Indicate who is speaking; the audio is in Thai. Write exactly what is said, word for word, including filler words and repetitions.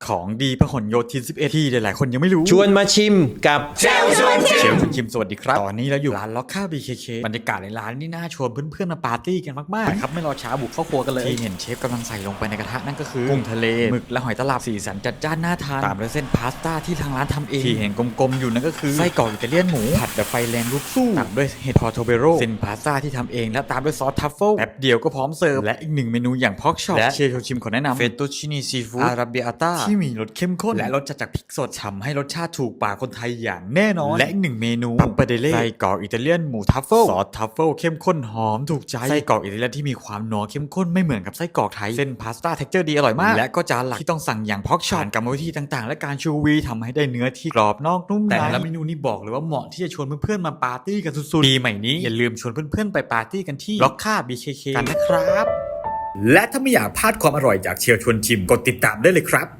Speaker 1: ของดีพหลโยธินสิบเอ็ดที่หลายๆคนยังไม่รู้
Speaker 2: ชวนมาชิมกับเชลชวนชิม
Speaker 1: เชลชวนชิมสวัสดีครับตอนนี้เราอยู่ร้านล็อกค่า บี เค เค บรรยากาศในร้านนี่น่าชวนเพื่อนๆมาปาร์ตี้กันมากๆครับไม่รอช้าบุกเข้าครัวกันเลยที่เห็นเชฟกำลังใส่ลงไปในกระทะนั่นก็คือกุ้งทะเลหมึกและหอยตลับสีสันจัดจ้านน่าทานตามด้วยเส้นพาสต้าที่ทางร้านทำเองที่เห็นกลมๆอยู่นั่นก็คือไส้กรอกอิตาเลียนหมูผัดแบบไฟแรงลุกสู้ตามด้วยเห็ดพอร์โทเบโรเส้นพาสต้าที่ทำเองและตามด้วยซอสทัฟเฟิลแป๊บเดียวก็พร้อมเสิร์ฟและอีกหนึ่งเมนูอย่างพอกช็อปและเชลชวนชิมขอแนะนำเฟตตูชินีซีฟู้ดอาราเบียต้าที่มีรสเข้มข้นและรสจัดจากพริกสดทำให้รสชาติถูกปากคนไทยอย่างแน่นอนและอีกหนึ่งเมนูปัปปาเดเล่ไส้กรอกอิตาเลียนหมูทัฟเฟิลซอสทัฟเฟิลเข้มข้นหอมถูกใจไส้กรอกอิตาเลียนที่มีความนัวเข้มข้นไม่เหมือนกับไส้กรอกไทยเส้นพาสต้าเท็กเจอร์ดีอร่อยมากและก็จานหลักที่ต้องสั่งอย่างพอกช็อตกรรมวิธีต่างๆและการชูวีทำให้ได้เนื้อที่กรอบนอกนุ่มในแต่ละเมนูนี่บอกเลยว่าเหมาะที่จะชวนเพื่อนๆมาปาร์ตี้กันสุดๆปีใหม่นี้อย่าลืมชวนเพื่อนๆไปปาร์ตี้กันที่ล็อกค่า บี เค เค กันนะครับและถ้าไม่อยากพลาดความอร่อยจากเชลชวนชิมกดติดตามได้เลยครับ